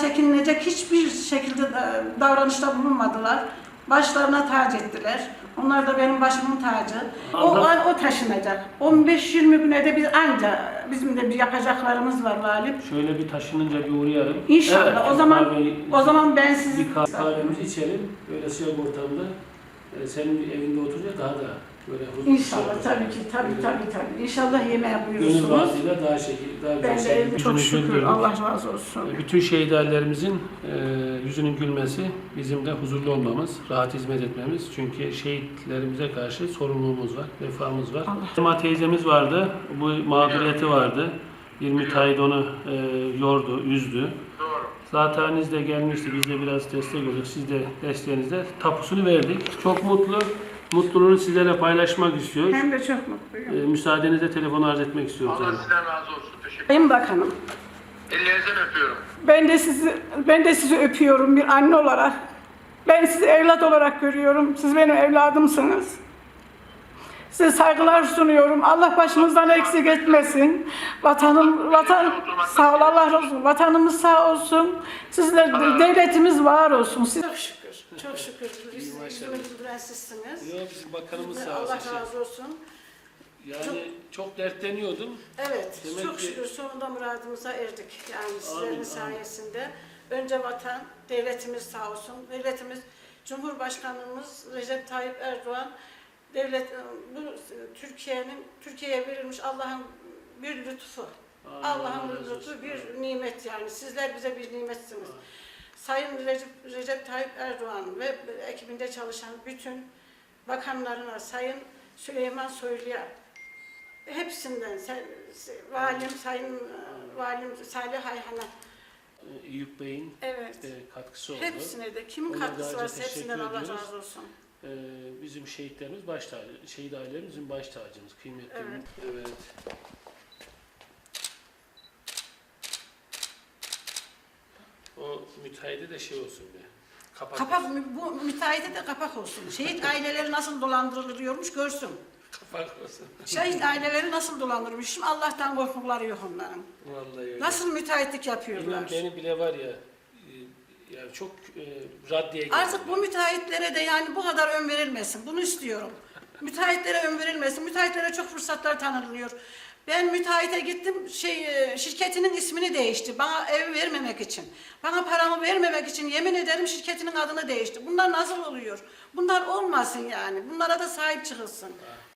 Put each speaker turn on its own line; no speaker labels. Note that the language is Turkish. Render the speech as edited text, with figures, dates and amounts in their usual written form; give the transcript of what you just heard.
çekinilecek hiçbir şekilde davranışta bulunmadılar. Başlarına tac ettiler. Onlar da benim başımın tacı. O taşınacak. 15-20 güne de biz anca bizim de bir yapacaklarımız var valim.
Şöyle bir taşınınca bir uğrayalım.
İnşallah.
Evet,
o zaman ben sizi
bir kahvemizi içelim. Böyle sıcak ortamda. Senin evinde oturunca daha da böyle huzurlu.
İnşallah tabii ki tabii. İnşallah yemeğe buyurursunuz.
Gönül razıyla daha şekil, daha
Ben
güzel.
de çok şükür. Allah razı olsun.
Bütün şehit ailemizin yüzünün gülmesi, bizim de huzurlu olmamız, rahat hizmet etmemiz. Çünkü şehitlerimize karşı sorumluluğumuz var, vefamız var. Sema teyzemiz vardı, bu mağduriyeti vardı. Bir müteahhit onu yordu, üzdü. Zaten de gelmişti, biz de biraz destek olduk. Siz de desteğinizle tapusunu verdik. Çok mutlu. Mutluluğunu sizlerle paylaşmak istiyoruz.
Hem de çok mutluyum.
Müsaadenizle telefonu arz etmek istiyoruz.
Allah sizden razı olsun. Teşekkür ederim.
Sayın Bakanım,
Ellerinizden öpüyorum.
ben de sizi öpüyorum bir anne olarak. Ben sizi evlat olarak görüyorum. Siz benim evladımsınız. Size saygılar sunuyorum. Allah başınızdan eksik etmesin. Sağ ol, Allah razı olsun. Vatanımız sağ olsun. Sizler devletimiz var olsun. Çok şükür. Çok şükür. Yüzümü güldüren sizsiniz.
Yok, bizim bakanımız sağ
Allah
olsun.
razı olsun.
Yani çok dertleniyordum.
Evet,
Demek
çok
ki...
şükür sonunda muradımıza erdik. Yani sizlerin
Amin,
sayesinde. Önce vatan, devletimiz sağ olsun. Devletimiz, Cumhurbaşkanımız Recep Tayyip Erdoğan, bu Türkiye'ye verilmiş Allah'ın bir lütfu. Allah'ın lütfu bir nimet yani. Sizler bize bir nimetsiniz. Sayın Recep Tayyip Erdoğan ve ekibinde çalışan bütün bakanlarına, Sayın Süleyman Soylu'ya, hepsinden, Sayın Valim Salih Ayhan'a,
Eyüp Bey'in katkısı oldu.
Hepsine de kimin katkısı varsa hepsinden Allah razı olsun.
Bizim şehitlerimiz baş tacı, şehit ailelerimizin baş tacımız, kıymetli. Evet. O müteahhide de şey olsun be.
Kapak, bu müteahhite de kapak olsun. Şehit aileleri nasıl dolandırılıyormuş görsün.
Kapak olsun.
Şehit aileleri nasıl dolandırılmış. Şimdi Allah'tan korkukları yok onların.
Vallahi öyle.
Nasıl müteahhitlik yapıyorlar.
İnan beni bile var ya, yani çok raddeye geldi.
Artık bu müteahhitlere de yani bu kadar ön verilmesin. Bunu istiyorum. Müteahhitlere ön verilmesin. Müteahhitlere çok fırsatlar tanınıyor. Ben müteahhite gittim, şirketinin ismini değişti. Bana ev vermemek için. Bana paramı vermemek için yemin ederim şirketinin adını değişti. Bunlar nasıl oluyor? Bunlar olmasın yani. Bunlara da sahip çıkılsın.